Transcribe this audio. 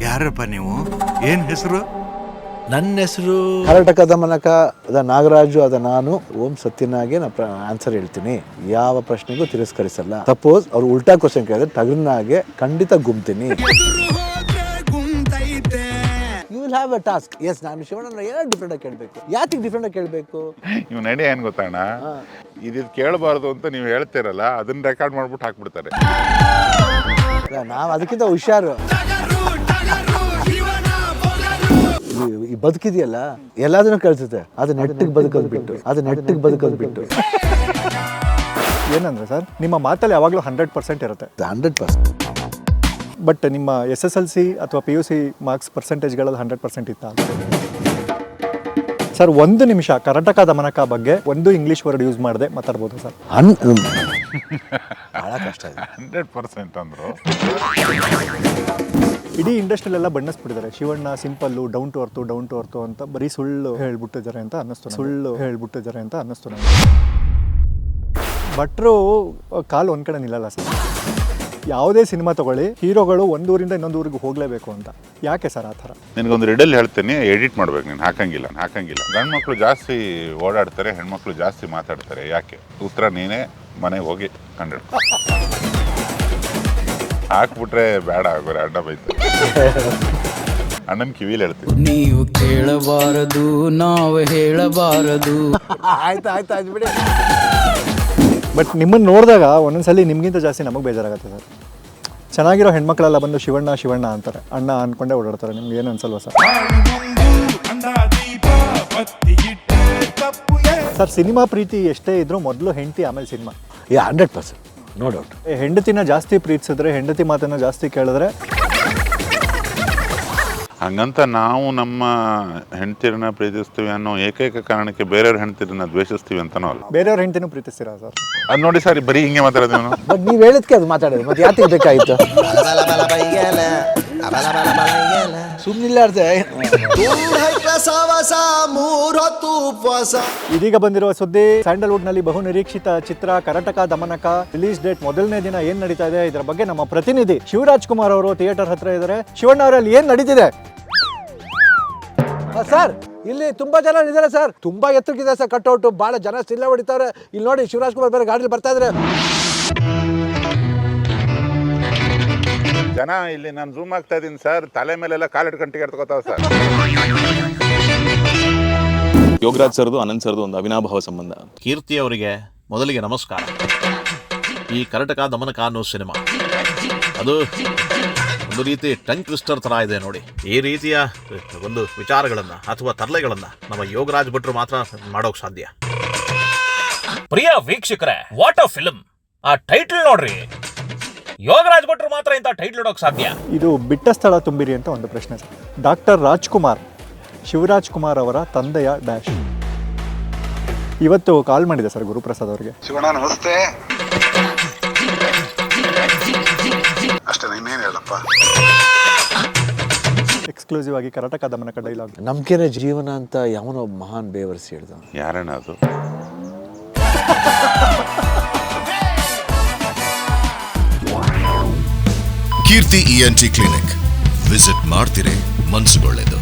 ಯಾರಪ್ಪ ನೀವು? ಏನ್ ಹೆಸರು? ನನ್ನ ಹೆಸರು ಕರ್ನಾಟಕ ದಮನಕ ಅದ ನಾಗರಾಜು, ಅದ ನಾನು ಓಂ ಸತ್ಯನಾಗೆ ಆನ್ಸರ್ ಹೇಳ್ತೀನಿ. ಯಾವ ಪ್ರಶ್ನೆಗೂ ತಿರಸ್ಕರಿಸಲ್ಲ. ಸಪೋಸ್ ಅವ್ರು ಉಲ್ಟಾ ಕ್ವಶನ್ ಕೇಳಿದ್ರೆ ಟಗರ್ನಾಗೆ ಖಂಡಿತ ಗುಮ್ತೀನಿ. You will have a task. Yes, ನಾನು ಶಿವಣ್ಣ ಏನೋ ಡಿಫ್ರೆಂಟ್ ಆಗಿ ಕೇಳಬೇಕು. ಯಾಕೆ ಡಿಫ್ರೆಂಟ್ ಆಗಿ ಕೇಳಬೇಕು? ನೀವು ನಡೆ ಏನು ಗೊತ್ತಣ್ಣ, ಇದು ಕೇಳಬಾರ್ದು ಅಂತ ನೀವು ಹೇಳ್ತಿರಲ್ಲ, ಅದನ್ನ ರೆಕಾರ್ಡ್ ಮಾಡ್ಬಿಟ್ಟು ಹಾಕ್ಬಿಡ್ತಾರೆ. ನಾವು ಅದಕ್ಕಿಂತ ಹುಷಾರು. ಈ ಬದುಕಿದೆಯಲ್ಲ ಎಲ್ಲದನ್ನೂ ಕಳ್ಸುತ್ತೆ. ಅದು ನೆಟ್ಟಿಗೆ ಬದುಕೋದು ಬಿಟ್ಟು ಏನಂದ್ರೆ ಸರ್, ನಿಮ್ಮ ಮಾತಲ್ಲಿ ಯಾವಾಗಲೂ 100% ಇರುತ್ತೆ. 100%. ಬಟ್ ನಿಮ್ಮ SSLC ಅಥವಾ PUC ಮಾರ್ಕ್ಸ್ ಪರ್ಸೆಂಟೇಜ್ಗಳಲ್ಲಿ 100% ಇತ್ತ ಸರ್? 1 ನಿಮಿಷ ಕರ್ನಾಟಕ ದಮನಕ ಬಗ್ಗೆ ಒಂದು ಇಂಗ್ಲೀಷ್ ವರ್ಡ್ ಯೂಸ್ ಮಾಡದೆ ಮಾತಾಡ್ಬೋದು ಸರ್? ಬಹಳ ಕಷ್ಟ ಇದೆ. 100% ಅಂದ್ರು. ಇಡೀ ಇಂಡಸ್ಟ್ರಿಯಲ್ಲೆಲ್ಲ ಬಣ್ಣಿಸ್ಬಿಟ್ಟಿದ್ದಾರೆ Shivanna simple, down to earth ಅಂತ ಬರೀ ಸುಳ್ಳು ಹೇಳ್ಬಿಟ್ಟಿದ್ದಾರೆ ಅಂತ ಅನ್ನಿಸ್ತು ನನಗೆ. ಭಟ್ರು ಕಾಲು ಒಂದು ಕಡೆ ನಿಲ್ಲಲ್ಲ ಸರ್. ಯಾವುದೇ ಸಿನಿಮಾ ತಗೊಳ್ಳಿ, ಹೀರೋಗಳು ಒಂದೂರಿಂದ ಇನ್ನೊಂದು ಊರಿಗೆ ಹೋಗಲೇಬೇಕು ಅಂತ. ಯಾಕೆ ಸರ್ ಆ ಥರ? ನಿನಗೊಂದು ರಿಡಲ್ ಹೇಳ್ತೀನಿ, ಎಡಿಟ್ ಮಾಡ್ಬೇಕು. ನೀನು ಹಾಕಂಗಿಲ್ಲ. ಗಂಡು ಮಕ್ಕಳು ಜಾಸ್ತಿ ಓಡಾಡ್ತಾರೆ, ಹೆಣ್ಮಕ್ಳು ಜಾಸ್ತಿ ಮಾತಾಡ್ತಾರೆ. ಯಾಕೆ? ಉತ್ತರ ನೀನೇ ಮನೆಗೆ ಹೋಗಿ ಕಂಡು ಹಾಕ್ಬಿಟ್ರೆ ಬೇಡ ಆಗೋರೆ, ಅಡ್ಡ ಬೈತಾರೆ. ಅಣ್ಣನ ಕಿವಿಲಿ ಹೇಳ್ತೀನಿ. ನೀವು ಕೇಳಬಾರದು, ನಾವು ಹೇಳಬಾರದು. ಆಯ್ತು ಬಿಡಿ. ಬಟ್ ನಿಮ್ಮನ್ನು ನೋಡಿದಾಗ ಒಂದೊಂದ್ಸಲಿ ನಿಮಗಿಂತ ಜಾಸ್ತಿ ನಮಗೆ ಬೇಜಾರಾಗುತ್ತೆ ಸರ್. ಚೆನ್ನಾಗಿರೋ ಹೆಣ್ಮಕ್ಳೆಲ್ಲ ಬಂದು ಶಿವಣ್ಣ ಅಂತಾರೆ, ಅಣ್ಣ ಅಂದ್ಕೊಂಡೇ ಓಡಾಡ್ತಾರೆ. ನಿಮ್ಗೆ ಏನು ಅನ್ಸಲ್ವಾ ಸರ್? ಸರ್, ಸಿನಿಮಾ ಪ್ರೀತಿ ಎಷ್ಟೇ ಇದ್ರೂ ಮೊದಲು ಹೆಂಡತಿ, ಆಮೇಲೆ ಸಿನಿಮಾ. 100%, no doubt. ಹೆಂಡತಿನ ಜಾಸ್ತಿ ಪ್ರೀತಿಸಿದ್ರೆ, ಹೆಂಡತಿ ಮಾತನ್ನ ಜಾಸ್ತಿ ಕೇಳಿದ್ರೆ, ಹಂಗಂತ ನಾವು ನಮ್ಮ ಹೆಂಡತಿರನ್ನ ಪ್ರೀತಿಸ್ತೀವಿ ಅನ್ನೋ ಏಕೈಕ ಕಾರಣಕ್ಕೆ ಬೇರೆಯವ್ರ ಹೆಂಡತಿರನ್ನ ದ್ವೇಷಿಸ್ತೀವಿ ಅಂತನೋ ಅಲ್ಲ. ಬೇರೆಯವ್ರ ಹೆಂಡತಿನೂ ಪ್ರೀತಿಸ್ತೀರಾ ಸರ್? ಅದು ನೋಡಿ ಸರ್, ಬರೀ ಹಿಂಗೆ ಮಾತಾಡೋದು ನಾನು. ಬಟ್ ನೀವು ಹೇಳಿದ್ಕೆ ಅದು ಮಾತಾಡೋದು, ಮತ್ತೆ ಯಾಕೆ ಬೇಕಾಗಿತ್ತು? ಸುಮ್ಮನಿಲ್ಲಾರ್ದೆ. ಇದೀಗ ಬಂದಿರುವ ಸುದ್ದಿ, ಸ್ಯಾಂಡಲ್ವುಡ್ ನಲ್ಲಿ ಬಹು ನಿರೀಕ್ಷಿತ ಚಿತ್ರ ಕರ್ನಾಟಕ ದಮನಕ ರಿಲೀಸ್ ಡೇಟ್ ಮೊದಲನೇ ದಿನ ಏನ್ ನಡೀತಾ ಇದೆ, ಇದರ ಬಗ್ಗೆ ನಮ್ಮ ಪ್ರತಿನಿಧಿ ಶಿವರಾಜ್ ಕುಮಾರ್ ಅವರು ಥಿಯೇಟರ್ ಹತ್ರ ಇದ್ದಾರೆ. ಶಿವಣ್ಣ ಅವರಲ್ಲಿ ಏನ್ ನಡೀತಿದೆ ಸರ್? ಇಲ್ಲಿ ತುಂಬಾ ಜನ ಇದ್ದಾರೆ ಸರ್, ತುಂಬಾ ಎತ್ತರಕ್ಕಿದೆ ಸರ್ ಕಟ್ಔಟ್. ಬಹಳ ಜನ ಸಿಲ್ಲ ಹೊಡಿತಾರೆ. ಇಲ್ಲಿ ನೋಡಿ, ಶಿವರಾಜ್ ಕುಮಾರ್ ಬೇರೆ ಗಾಡಿಲಿ ಬರ್ತಾ ಇದ್ದಾರೆ. ಜನ ಇಲ್ಲಿ ನಾನು ಝೂಮ್ ಆಗ್ತಾ ಇದ್ದೀನಿ ಸರ್, ತಲೆ ಮೇಲೆಲ್ಲ ಕಾಲಿಟ್ಕೊಂಡು ಟಿಕೆಟ್ ತಗೋತಾವ ಸರ್. ಯೋಗರಾಜ್ ಸರ್ದು ಅನಂತ್ ಸರ್ದು ಒಂದು ಅವಿನಾಭಾವ ಸಂಬಂಧ. ಕೀರ್ತಿ ಅವರಿಗೆ ಮೊದಲಿಗೆ ನಮಸ್ಕಾರ. ಈ ಕರ್ನಾಟಕ ದಮನಕ ಅನ್ನೋ ಸಿನಿಮಾ ಅದು ಒಂದು ರೀತಿ ಟಂಗ್ ಟ್ವಿಸ್ಟರ್ ತರ ಇದೆ ನೋಡಿ. ಈ ರೀತಿಯ ಒಂದು ವಿಚಾರಗಳನ್ನ ಅಥವಾ ತರಲೆಗಳನ್ನ ನಮ್ಮ ಯೋಗರಾಜ್ ಭಟ್ರು ಮಾತ್ರ ಮಾಡೋಕ್ ಸಾಧ್ಯ. ಪ್ರಿಯ ವೀಕ್ಷಕರೇ, ವಾಟ್ ಅ ಫಿಲ್ಮ್! ಆ ಟೈಟಲ್ ನೋಡ್ರಿ, ಯೋಗರಾಜ್ ಭಟ್ರು ಮಾತ್ರ ಇಂಥ ಟೈಟಲ್ ಇಡೋಕ್ ಸಾಧ್ಯ. ಇದು ಬಿಟ್ಟ ಸ್ಥಳ ತುಂಬಿರಿ ಅಂತ ಒಂದು ಪ್ರಶ್ನೆ ಸರ್. ಡಾಕ್ಟರ್ ರಾಜ್ಕುಮಾರ್, ಶಿವರಾಜ್ ಕುಮಾರ್ ಅವರ ತಂದೆಯ ಡ್ಯಾಶ್. ಇವತ್ತು ಕಾಲ್ ಮಾಡಿದೆ ಸರ್ ಗುರುಪ್ರಸಾದ್ ಅವರಿಗೆ. ಶಿವಣ್ಣ ನಮಸ್ತೆ. ಅಷ್ಟೇ, ಇನ್ನೇನು ಹೇಳಪ್ಪ. ಎಕ್ಸ್ಕ್ಲೂಸಿವ್ ಆಗಿ ಕರ್ನಾಟಕ ದಮನಕ ಡೈಲಾಗ್. ನಂಬಿಕೆನೇ ಜೀವನ ಅಂತ ಯಾವನೋ ಮಹಾನ್ ಬೇವರ್ಸಿ ಹೇಳ್ದ. ಯಾರಣ್ಣ ಅದು? ಕೀರ್ತಿ ENT ಕ್ಲಿನಿಕ್ ವಿಸಿಟ್ ಮಾಡ್ತಿರೇ ಮನ್ಸುಗೊಳ್ಳೆದು.